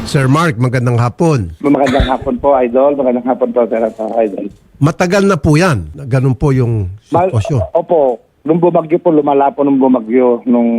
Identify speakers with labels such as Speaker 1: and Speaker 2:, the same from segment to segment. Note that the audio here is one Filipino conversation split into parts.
Speaker 1: Sir Mark, magandang hapon.
Speaker 2: Magandang hapon po, Idol. Magandang hapon po, Idol.
Speaker 1: Matagal na po yan. Ganun po yung sitwasyon.
Speaker 2: Opo. Nung bumagyo po, lumala po nung bumagyo nung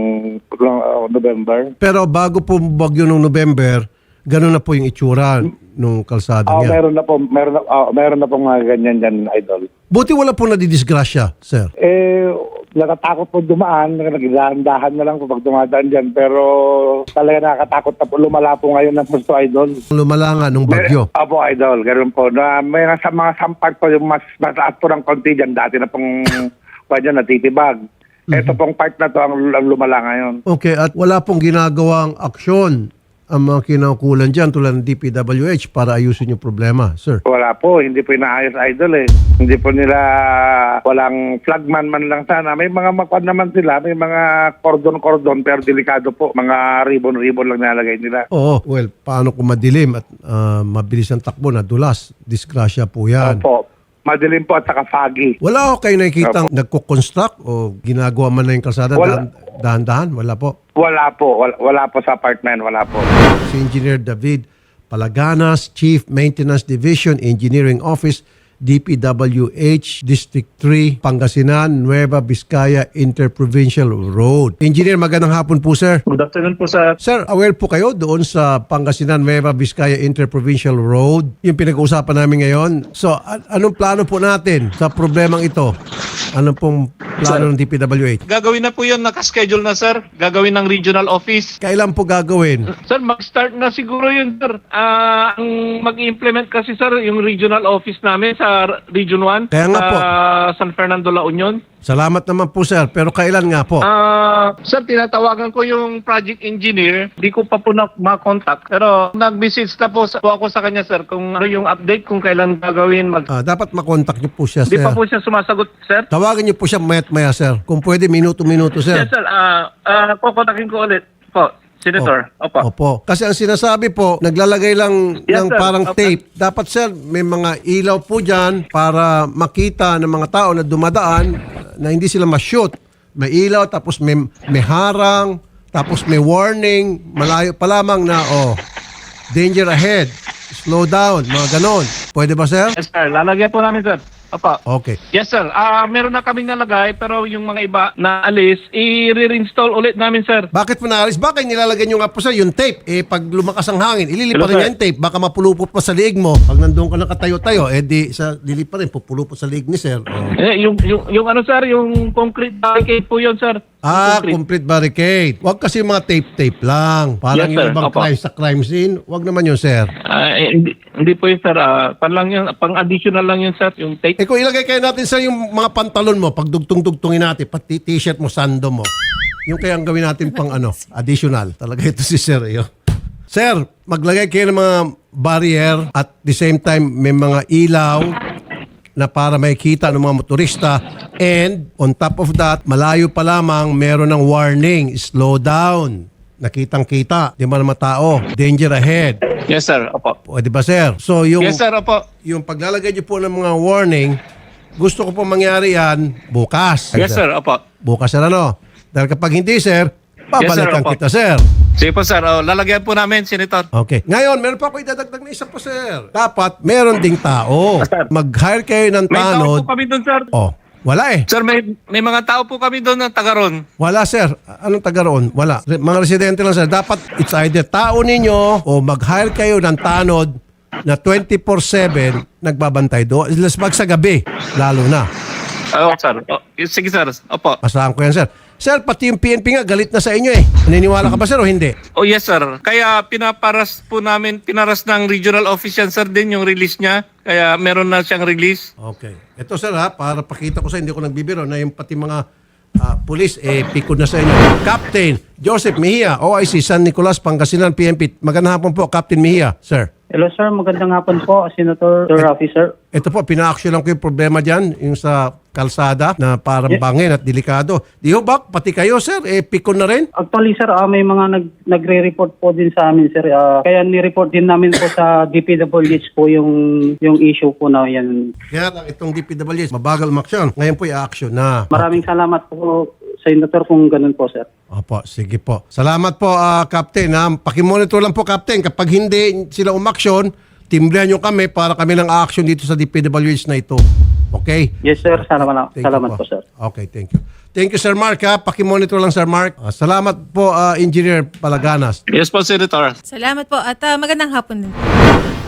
Speaker 2: November.
Speaker 1: Pero bago po bagyo nung November, ganun na po yung itsura nung kalsada niya.
Speaker 2: Meron na po mga ganyan dyan, Idol.
Speaker 1: Buti wala po nadidisgrasya, sir.
Speaker 2: Nakatakot po dumaan, nagdahan-dahan na lang po pag dumadaan dyan. Pero talaga nakakatakot na po, lumala po ngayon ng gusto, Idol.
Speaker 1: Lumala nga nung bagyo.
Speaker 2: Opo, Idol, ganoon po. May nasa mga sampak po yung mas mataas po ng konti dyan. Dati na pong dyan natitibag. Ito pong part na to ang lumala ngayon.
Speaker 1: Okay, at wala pong ginagawang aksyon ang mga kinaukulan dyan tulad ng DPWH para ayusin yung problema, sir.
Speaker 2: Wala po, hindi po inaayos, Idol eh. Hindi po nila, walang flagman man lang sana. May mga makwad naman sila, may mga cordon-cordon pero delikado po. Mga ribbon-ribbon lang nalagay nila.
Speaker 1: Oo, well, paano kung madilim at mabilis ang takbo na dulas? Disgrasya po yan.
Speaker 2: Opo, madilim po at saka foggy.
Speaker 1: Wala ko kayo nakikita nagko-construct o ginagawa man na yung kalsada dahan-dahan? Wala po.
Speaker 2: Wala po sa apartment, wala po.
Speaker 1: Si Engineer David Palaganas, Chief Maintenance Division, Engineering Office, DPWH, District 3, Pangasinan, Nueva Vizcaya Interprovincial Road. Engineer, magandang hapon po, sir.
Speaker 3: Good afternoon po, sir.
Speaker 1: Sir, aware po kayo doon sa Pangasinan, Nueva Vizcaya Interprovincial Road, yung pinag-uusapan namin ngayon. So, anong plano po natin sa problemang ito? Anong pong plano ng DPWH?
Speaker 3: Gagawin na po yun, nakaschedule na, sir. Gagawin ng regional office.
Speaker 1: Kailan po gagawin?
Speaker 3: Sir, mag-start na siguro yun, sir. Ang mag-implement kasi, sir, yung regional office namin sa Region 1.
Speaker 1: Kaya nga po.
Speaker 3: San Fernando, La Union.
Speaker 1: Salamat naman po, sir. Pero kailan nga po?
Speaker 3: Sir, tinatawagan ko yung project engineer. Di ko pa po ma-contact. Pero nag-message na po ako sa kanya, sir, kung ano yung update, kung kailan gagawin.
Speaker 1: Dapat makontak niyo po siya,
Speaker 3: Di
Speaker 1: sir.
Speaker 3: pa po siya sumasagot, sir.
Speaker 1: Tawagan niyo po siya mayat-maya, sir. Kung pwede, minuto-minuto, sir.
Speaker 3: Yes, sir. Kukontakin ko ulit po. Senator,
Speaker 1: Opo. Kasi ang sinasabi po, naglalagay lang
Speaker 3: Yes,
Speaker 1: ng
Speaker 3: sir.
Speaker 1: parang
Speaker 3: Opo.
Speaker 1: tape. Dapat, sir, may mga ilaw po dyan para makita ng mga tao na dumadaan na hindi sila ma-shoot. May ilaw, tapos may harang, tapos may warning, malayo pa lamang na, danger ahead, slow down, mga ganon. Pwede ba, sir?
Speaker 3: Yes, sir. Lalagyan po namin, sir. Opo.
Speaker 1: Okay.
Speaker 3: Yes, sir. Meron na kaming nalagay, pero yung mga iba na alis, i-reinstall ulit namin, sir.
Speaker 1: Bakit po naalis? Bakit nilalagay nyo nga po, sir, yung tape? Pag lumakas ang hangin, ililipa rin
Speaker 3: Hello,
Speaker 1: niya yung tape. Baka mapulupot pa sa liig mo. Pag nandun ka nakatayo-tayo, lilipa rin, pupulupot sa liig ni sir.
Speaker 3: Yung ano, sir, yung concrete barricade po yun, sir.
Speaker 1: Complete barricade. Huwag kasi mga tape-tape lang. Parang
Speaker 3: Yes,
Speaker 1: yung
Speaker 3: sir.
Speaker 1: ibang
Speaker 3: Opo.
Speaker 1: crime sa crime scene. Huwag naman yun, sir.
Speaker 3: Hindi po yun, sir. Pang-additional lang yun, sir, yung tape.
Speaker 1: Kung ilagay kayo natin sa yung mga pantalon mo, pag dugtong-dugtongin natin, pati t-shirt mo, sando mo, yung kaya ang gawin natin pang additional. Talaga ito si sir. Sir, maglagay kayo ng mga barrier at the same time may mga ilaw na para makikita ng mga motorista, and on top of that, malayo pa lamang meron ng warning, slow down, nakitang-kita, di ba naman tao, danger ahead.
Speaker 3: Yes, sir. Opo.
Speaker 1: Pwede ba, sir? So
Speaker 3: Yes, sir. Opo.
Speaker 1: yung paglalagay niyo po ng mga warning, gusto ko po mangyari yan bukas.
Speaker 3: Yes, sir. Opo.
Speaker 1: Bukas, sir, ano? Dahil kapag hindi, sir, babalikan
Speaker 3: opo.
Speaker 1: kita, sir.
Speaker 3: Sige po, sir. Lalagyan po namin, Senator.
Speaker 1: Okay. Ngayon, meron pa ako idadagdag na isa po, sir. Dapat, meron ding tao. Mag-hire kayo ng
Speaker 3: May tao
Speaker 1: tanod.
Speaker 3: po kami doon, sir.
Speaker 1: Wala eh.
Speaker 3: Sir, may mga tao po kami doon ng taga-ron.
Speaker 1: Wala, sir. Anong taga roon? Wala. Mga residente lang, sir. Dapat, it's either tao ninyo o mag-hire kayo ng tanod na 24/7 nagbabantay doon. Let's mag sa gabi, lalo na.
Speaker 3: Oo, sir. Sige, sir. Opo.
Speaker 1: Asahan ko yan, sir. Sir, pati yung PNP nga, galit na sa inyo eh. Naniniwala ka ba, sir, o hindi?
Speaker 3: Oh, yes, sir. Kaya pinaras ng regional office yan, sir, din yung release niya. Kaya meron na siyang release.
Speaker 1: Okay. Ito, sir, para pakita ko sa hindi ko nagbibiro na yung pati mga pulis, pikod na sa inyo. Captain Joseph Mejia, OIC, San Nicolas, Pangasinan, PNP. Magandang hapon po, Captain Mejia, sir.
Speaker 4: Hello sir, magandang hapon po, Senator Rafi sir.
Speaker 1: Ito po, pina-action lang ko yung problema dyan, yung sa kalsada na parang bangin at delikado. Di ho ba, pati kayo, sir, pikon na rin?
Speaker 4: Actually sir, may mga nagre-report po din sa amin sir. Kaya ni-report din namin po sa DPWH po yung issue po na yan.
Speaker 1: Kaya lang itong DPWH, mabagal umaksyon. Ngayon po i-action na.
Speaker 4: Maraming salamat po Senator kung ganun po, sir.
Speaker 1: Opo, sige po. Salamat po, Captain. Pakimonitor lang po, Captain. Kapag hindi sila umaksyon, timbrehan nyo kami para kami ng action dito sa DPWH na ito. Okay?
Speaker 4: Yes, sir. Salamat
Speaker 1: Thank you
Speaker 4: po, sir.
Speaker 1: Okay, thank you. Thank you, Sir Mark. Pakimonitor lang, Sir Mark. Salamat po, Engineer Palaganas.
Speaker 3: Yes po, Senator.
Speaker 5: Salamat po at magandang hapon din.